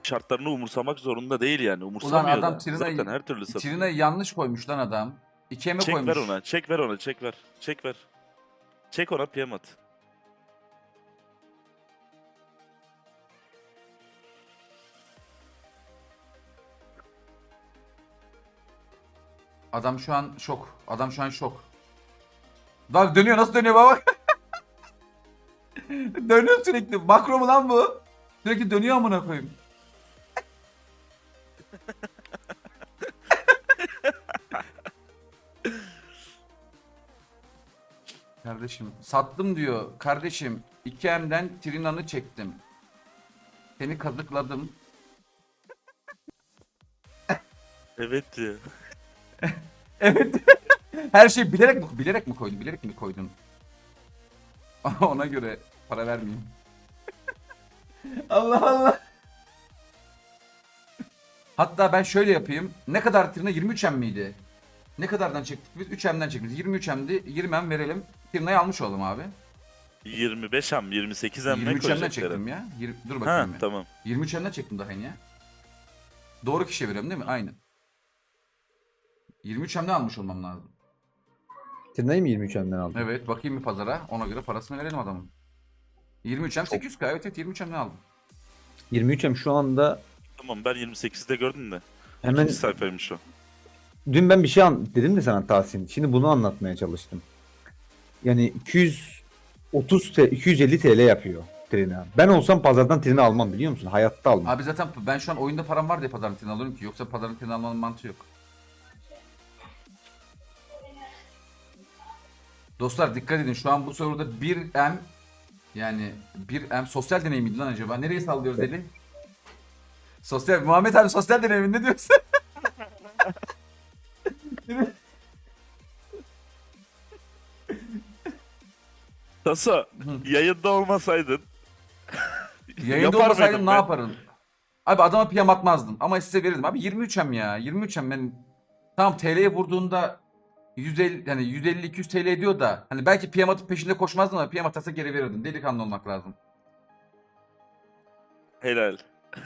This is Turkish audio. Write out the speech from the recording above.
şartlarını umursamak zorunda değil yani. Ulan Umursamıyor adam da. Zaten her türlü satıyor. Trina'yı yanlış koymuş lan adam. 2'ye mi Çek koymuş? ver ona. Çek ver ona. Çek ver. Çek ver. Çek ona PM at. Adam şu an şok. Adam şu an şok. Bak dönüyor, nasıl dönüyor baba? Dönüyor sürekli. Makro mu lan bu? Sürekli dönüyor amına koyayım. Kardeşim sattım diyor. Kardeşim 2M'den Trina'nı çektim. Seni kazıkladım. Evet diyor. Evet. Her şey bilerek mi koydun? Bilerek mi koydun? Ona göre para vermeyeyim. Allah Allah. Hatta ben şöyle yapayım. Ne kadar Trina? 23M miydi? Ne kadardan çektik biz? 3M'den çektik. 23M'di. 20M verelim. Trina'yı almış olalım abi. 25M, 28M ne 23M'den koyacaklar? çektim ya. Dur Ha bakayım. Ya. tamam. 23M'den çektim daha yeni ya. Doğru kişiye veriyorum değil mi? Aynen. 23M'den almış olmam lazım. Tırnayı mı 23'ünden aldın? Evet, bakayım bir pazara. Ona göre parasını verelim adamın. 23M 800K. Evet 23M'den aldım. 23'em şu anda Tamam ben 28'de gördüm de. hemen İkinci sayfaymış o. dün ben bir şey dedim de sana Tahsin. Şimdi bunu anlatmaya çalıştım. Yani 250 TL yapıyor Trina. Ben olsam pazardan Trina almam biliyor musun? Hayatta almam. Abi zaten ben şu an oyunda param var diye pazarın tini alıyorum ki. Yoksa pazarın tini almanın mantığı yok. Dostlar dikkat edin. Şu an bu soruda 1M yani 1M sosyal deney miydi lan acaba? Nereye sallıyoruz Evet. eli? Sosyal Muhammed abi sosyal deney mi? Ne diyorsun? Taso yayında olmasaydın Yayında yapar olmasaydım mıydın ne be? yaparım? Abi adama piyam atmazdım ama size verirdim. Abi 23M ya. 23M ben tamam TL'ye vurduğunda 150 yani 150-200 TL ediyor da hani belki piyam atıp peşinde koşmazdım ama piyam atarsa geri verirdim. Delikanlı olmak lazım. Helal.